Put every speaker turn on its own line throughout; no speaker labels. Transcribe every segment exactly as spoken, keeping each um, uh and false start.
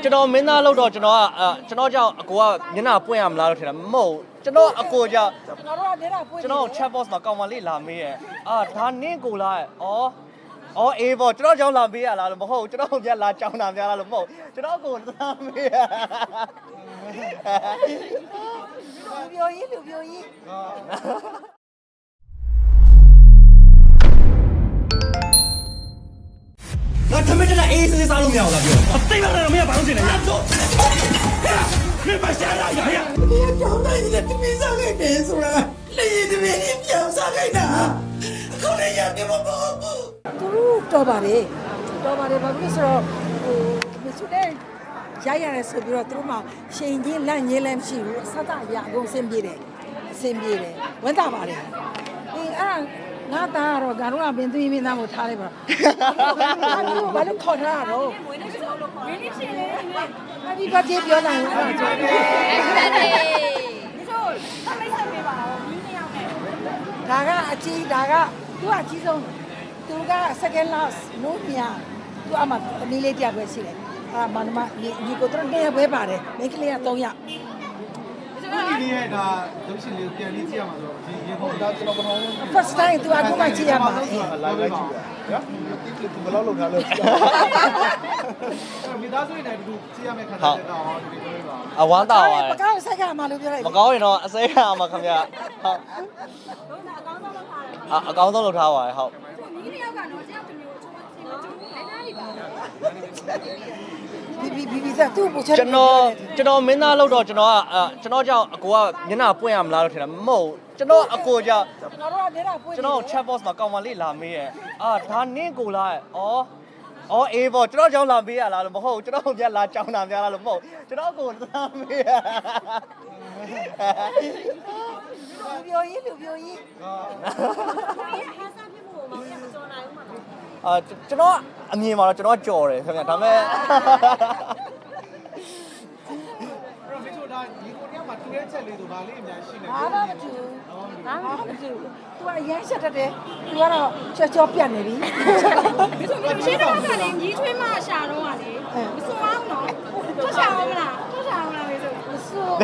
ကျွန်တော်မင်းသားလို့တော့ကျွန်တော်ကကျွန်တော်ကြောင့်အကိုကမျက်နှာပွင့်ရမလားလို့ထင်တာမဟုတ်ကျွန်တော်အကိုကြောင့်
ကျွန်တော်တို့ကမျက်နှာပွင့်
ကျွန်တော် chat box မှာကောင်မလေးလာမေးရဲ့အာဒါနင့်ကိုလားဩအော်အေးပေါ့ကျွန်တော်ကြောင့်လာမေးရလားလို့မဟုတ်ကျွန်တော်ပြန်လာကြောင်းတာများလားလို့မဟုတ်ကျွန်တော်ကိုလာမေးရ
လူပြောကြီးလူပြောကြီး
ငါထမင်းတက်အေးစေးစားလို့မရဘူးလားပြောအသိမလားမရဘာလို့ရှင်လဲရတော့မင်းမရှာရရရ
ဒီကြောင်းတိုင်းနဲ့တမင်းစားခဲ့တယ်ဆိုတာလေရင်တမင်းကြီးပြောင်းစားခဲ့တာအခုလည်းရတယ်မဟုတ်ဘူးသူတို့တော်ပါတယ်တော်ပါတယ်ဘာဖြစ်လို့ဆိုတော့ဟိုမစုတဲ့ရရရဲဆိုပြီးတော့သူတို့မှရှင်ကြီးလန့်ငင်းလည်းမရှိဘူးအဆက်တရအကုန်အဆင်ပြေတယ်အဆင်ပြေတယ်ဝန်တာပါတယ်အေးအဲ့ငါသားကတော့ဂါရုံးကပင်သွေးမင်းသားကိုထားလိုက်ပါဘာလို့ခေါ်ထားတာတော့မွေးနေ့ရှင်လို့ခေါ်မွေးနေ့ရှင်လေဟာဒီဘာပြေပြောနိုင်လဲအဲ့ဒါကြောင့်အဲ့ဒါလေဒီဆိုသမိတ်ဆက်ပေးပါဦးဒီနှစ်ယောက်နဲ့ဒါကအကြီးဒါကသူကအကြီးဆုံးသူက second last နိုးမြသူအမှတမီးလေးတရားပဲရှိတယ်အာမနမဒီကိုတော့နေပဲပါတယ်မိန်းကလေးကသုံးယောက်
ဒီနေ့ရဲ့ဒါရုပ်ရှင်လေးပြန်လေးကြည့်ရမှာဆိုတော့ဒီရေပေါ်ဒါကျွန်တော်ပထမဆုံး
first time သူအခုမှကြည့်ရမှာအေး
live လိုက်ကြည့်ရနော်မတိကလေးဘယ်လောက်လောက်ထားလဲမိသားစုနဲ့ဒီလိုကြည့်ရမယ့်ခါကျတော့ဒီလိုပြောပါ
အဝမ်းတာပါ
မကောင်းစိတ်ကမှလို့ပြောလိုက်
မကောင်းရင်တော့အစိမ်းရမှာခင်ဗျဟုတ်အကောင်းဆုံးလုပ်ထားပါတယ်ဟုတ်
ဒီနေ့ရောက်ကတော့တယောက်တစ်မျိုးချိုးချိုးချိုးလဲထားပြီပါ
ဘီဘီဘီဘီသာသူ့ကိုချက်
ကျွန်တော်ကျွန်တော်မင်းသားလို့တော့ကျွန်တော်ကကျွန်တော်ကြောင့်အကိုကမျက်နှာပွင့်ရမလားလို့ထင်တာမဟုတ်ကျွန်တော်အကိုကြောင့်
ကျွန်တော်တို့ကမျက်နှာပွင့်
ကျွန်တော် chat box မှာကောင်မလေးလာမေးရဲ့အာဒါနင့်ကိုလားဩအော်အေးပေါ့ကျွန်တော်ကြောင့်လာမေးရလားလို့မဟုတ်ကျွန်တော်ပြန်လာကြောင်းတာများလားလို့မဟုတ်ကျွန်တော်ကိုလာမေးရ
လူပြောကြီးလူပြောကြီး
ဟာစားဖြစ်ဖို့မမကြော်နိုင်ဘူးမှာ
အာကျွန်တော်အမြင်မှာတော့ကျွန်တော်ကြော်တယ်ခင်ဗျဒါပေမဲ့
အဲ့တော့ဒီလိုဒါဒီကိုတယောက်မှာတူတဲ့ချက်လေးဆိုဗာလေးအများရှိနေ
ဘာမှမတူဘာမှမတူသူကရမ်းချက်တတ်တယ်သူကတော့ချောချောပြတ်နေပြီ
ဒီဆိုမျိုးရှင်းတော့ကလည်းညီးချွေးမရှာတော့ကလေမစွမ်းအောင်နော်ထွက်ရှာအောင်မလားထွက်ရှာအောင်လားမေဆို
မစွမ်း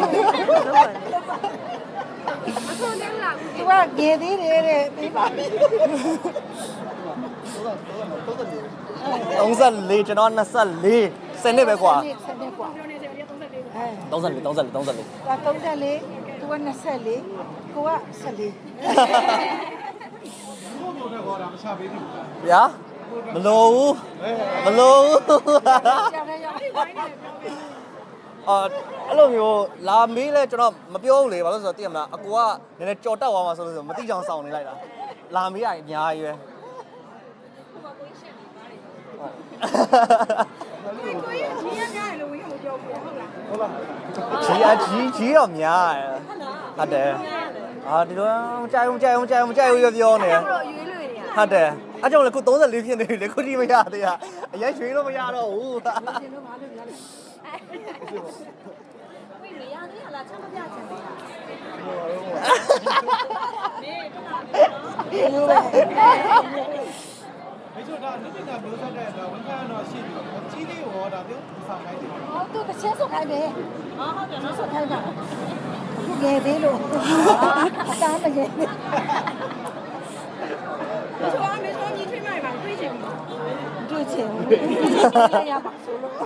မစွမ်းတယ်လား
သူကငယ်သေးတယ်တဲ့ပြီးပါပြီ
သုံးလေးကျွန်တော်နှစ်လေးစနစ်ပဲကွာ
စနစ်ကွာ
ပြောနေတယ်ရ
သုံးလေးသုံးလေးသုံးလေးသုံးလေး
သူကသုံးလေးသူကနှစ်လေးကိုကဆယ်လေး
ဘုံတို့တော့ဒါမချပေးဘူး
ဗျာမလို့ဘူးမလို့ဘူး
ကြားရရ
အာအဲ့လိုမျိုးလာမေးလဲကျွန်တော်မပြောဘူးလေဘာလို့ဆိုတော့သိရမလားအကူကနည်းနည်းကြော်တက်သွားမှာဆိုလို့ဆိုမသိချောင်ဆောင်နေလိုက်တာလာမေးရရင်အများကြီးပဲ
ကိုကြီးကြီးရများလို့ဝင်မပြောဘူးဟုတ်လား
ဟုတ်လား
ကြီးအကြီးကြီးတော့များတယ်ဟုတ်တယ်အာဒီတော့ကြိုက်အောင်ကြိုက်အောင်ကြိုက်အောင်ကြိုက်အောင်ပြောနေတယ်
တော့ရွေးလွေနေရ
ဟုတ်တယ်အဲ့ကြောင့်လေခုသုံးလေးဖြစ်နေပြီလေခုဒီမရသေးရအရင်ရွှေလို့မရတော့ဘူး
ရှင်တို့ဘာလို့လဲ
ဝိနေရသေးလားချက်မပြချင်ဘူး
လူပဲ
没错，他那边的比如说在在文山那西边，基地我那边上海的。
哦，都个先说开呗。啊，好的，先说开吧。不给的喽。当然给。
没错啊，没错，你去买吧，对钱吗？
对钱。哎呀，把手了。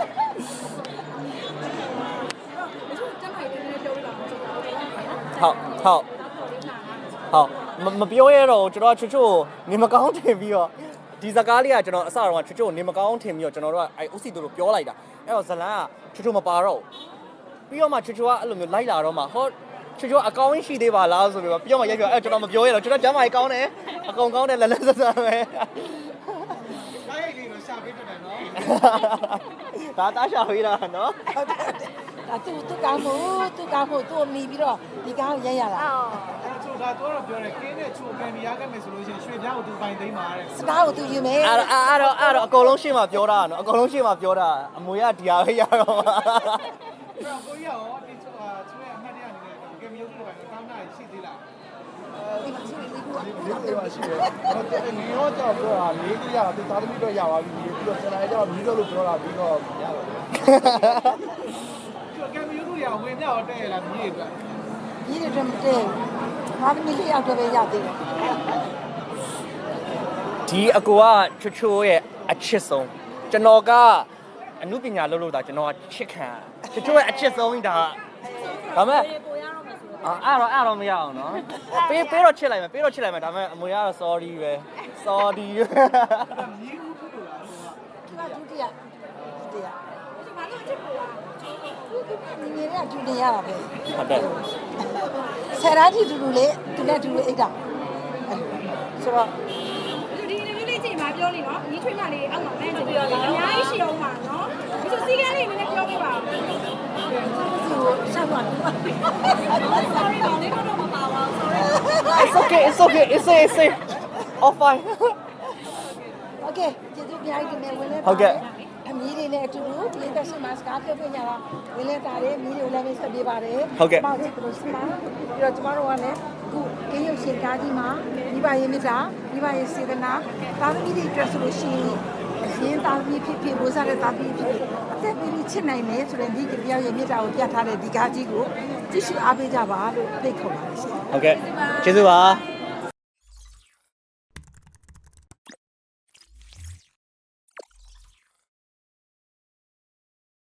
没错，真係你做啦，
ဟုတ်ဟုတ်ဟုတ်မပြောရတော့ကျွန်တော်ချွတ်ချွတ်နေမကောင်းထင်ပြီးတော့ဒီစကားလေးကကျွန်တော်အစတော့ချွတ်ချွတ်နေမကောင်းထင်ပြီးတော့ကျွန်တော်တို့ကအဲဥစီတို့လိုပြောလိုက်တာအဲ့တော့ဇလန်းကချွတ်ချွတ်မပါတော့ပြီးတော့မှချွတ်ချွတ်ကအဲ့လိုမျိုးလိုက်လာတော့မှဟောချွတ်ချွတ်အကောင်းရှိသေးပါလားဆိုပြီးတော့ပြီးတော့မှရိုက်ပြောအဲ့ကျွန်တော်မပြောရတော့ကျွန်တော်ကျမ်းမာရေးကောင်းတယ်အကုန်ကောင်းတယ်လက်လက်ဆက်ဆက်ပဲ
ကားရိုက်လေးတော့ရှာပေးတတ်တယ်နော်
ဒါတားရှာပေးတာနော်
ဒါသူသူကောင်းဖို့သူကောင်းဖို့သူ့မိပြီးတော့ဒီကောင်းရိုက်ရတာ
အဲ့ချို့ဒါတော့ပြောတယ်ကင်းနဲ့ချို့ကန်ဒီရခဲ့မယ်ဆိုလို့ရှိရင်ရွှေပြောင်းကိုသူပိုင်သိမ်းပါတဲ့
စကားကိုသူယူမယ်
အဲ့တော့အဲ့တော့အဲ့တော့အကုန်လုံးရှင်းမှာပြောတာနော်အကုန်လုံးရှင်းမှာပြောတာအမွေကဒီဟာပဲရတော့
အဲ့တော့ကိုကြီးရောဒီချို့ဟာချို့ရဲ့အမှတ်တရအနေနဲ့ကဲမျိုးတို့ပိုင်းကောင်းတာရှိသေးလား
ဒီမှာရှိနေပြီကွာ
ဒီလိုပါရှိတယ်ဟိုတဲ့ငရောကြောက်ပြောတာလေးကြီးရတာသူသားသမီးတော့ရပါပြီပြီးတော့ကျွန်တော်အဲ့ကြောင့်မြည်တော့လို့ပြောတာပြီးတော့ရပါကဲမျိုးတို့ရဝင်မြောက်တဲ့ရလားမြေအတွက်
ဒီလိုတည်းတဲ့ဘာမှမလေးအောင်တော့ရသေးတယ်
ဒီအကူကချွတ်ချိုးရဲ့အချစ်ဆုံးကျွန်တော်ကအမှုပညာလုပ်လို့တာကျွန်တော်ကချစ်ခံချွတ်ချိုးရဲ့အချစ်ဆုံးဒါဒါမဲ့အာအဲ့တော့အဲ့တော့မရအောင်နော်ပေးပေးတော့ချစ်လိုက်မယ်ပေးတော့ချစ်လိုက်မယ်ဒါမဲ့အမွေကတော့ sorry ပဲ sorry
မြေဦးဖြစ်လို့လားဟိုက
ဒီကဒုတိယဒုတိယ
ဘာလို့ချစ်ဖို့อ่ะ
ဒီနေရဒုတိယရတာပဲ
ဟုတ်တယ်
ဆယ်ရာကြီးတူတူလေးသူနဲ့တူတူအိတ်တာဆိုတော့
ဒီနေ့လေးချိန်မှာပြောနေနော်ညီထွေးမလေးအောက်မှာမန်းချင်ပြီးတော့အများကြီးရှိအောင်ပါနော်ဒီလိုစီကန်းလေးနည်းနည်းပြောပြပါဦး
ဒီကိုဆက်သွားတယ်
sorry ပါလေးတော့မပါပါဘူး sorry
it's okay it's okay it's okay it's okay all fine
Okay ကျေးဇူးများကြီးတင်နေဝင်လဲ
ဟုတ်ကဲ့
အမီးတွေနဲ့အတူတူဒီသက်ရှင်မှာစကားပြောပြကြတာဝင်လဲတာတယ်မီးတွေကိုလည်းပဲဆက်ပေးပါတယ်
ဟုတ်ကဲ့
ပေါ့ချစ်လို့စမှာပြီးတော့ကျမတို့ကလည်းအခုအင်းရုပ်ရှင်ကားကြီးမှာမိဘရဲ့မြတ်တာမိဘရဲ့စေတနာတာသမီးတွေအတွက်ဆိုလို့ရှိရင်အရင်တာသမီးဖြစ်ဖြစ်ဘိုးစားတဲ့တာသမီးဖြစ်ဖြစ်အသက်ပြီးပြီးချစ်နိုင်တယ်ဆိုတဲ့ဒီကြောင်ရဲ့မြတ်တာကိုပြထားတဲ့ဒီကားကြီးကိုကြည့်ရှုအားပေးကြပါလို့ဖိတ်ခေါ်ပါတယ်ရှင်
ဟုတ်ကဲ့ကျေးဇူးပါ